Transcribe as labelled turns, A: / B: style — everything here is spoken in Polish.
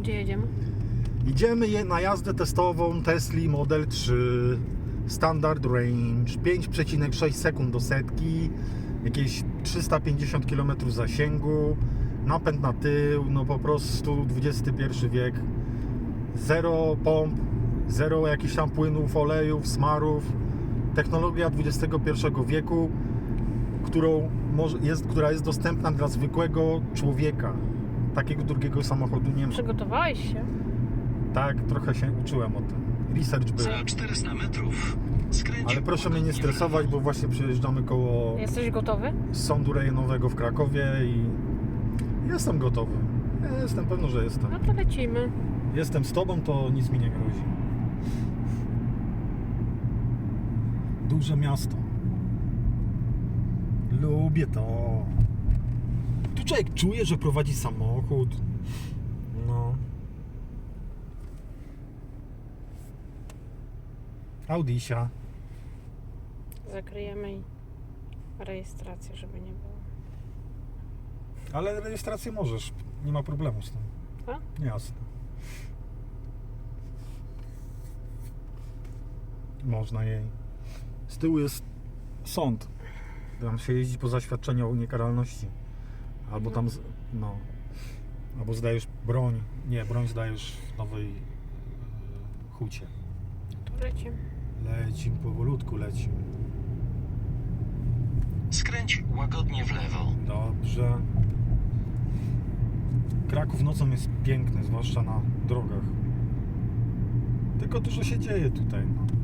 A: Gdzie jedziemy?
B: Idziemy na jazdę testową Tesli Model 3 Standard Range 5,6 sekund do setki, jakieś 350 km zasięgu, napęd na tył, no po prostu XXI wiek, zero pomp, zero jakichś tam płynów, olejów, smarów, technologia XXI wieku, która jest dostępna dla zwykłego człowieka. Takiego drugiego samochodu nie ma.
A: Przygotowałeś się?
B: Tak, trochę się uczyłem o tym. Research był.
C: Za 400 metrów skręć.
B: Ale proszę mnie nie stresować, bo właśnie przejeżdżamy koło
A: Jesteś gotowy?
B: sądu rejonowego w Krakowie i jestem gotowy. Jestem pewny, że jestem.
A: No to lecimy.
B: Jestem z tobą, to nic mi nie grozi. Duże miasto. Lubię to. Tu człowiek czuje, że prowadzi samochód. No. Audisia.
A: Zakryjemy i rejestrację, żeby nie było.
B: Ale rejestrację możesz. Nie ma problemu z tym.
A: A?
B: Jasne. Można jej. Z tyłu jest sąd. Tam się jeździ po zaświadczeniu o niekaralności. Albo tam, no. Albo zdajesz broń. Nie, broń zdajesz w Nowej Hucie.
A: Tu lecimy.
B: Lecim, powolutku lecim.
C: Skręć łagodnie w lewo.
B: Dobrze. Kraków nocą jest piękny, zwłaszcza na drogach. Tylko dużo się dzieje tutaj. No.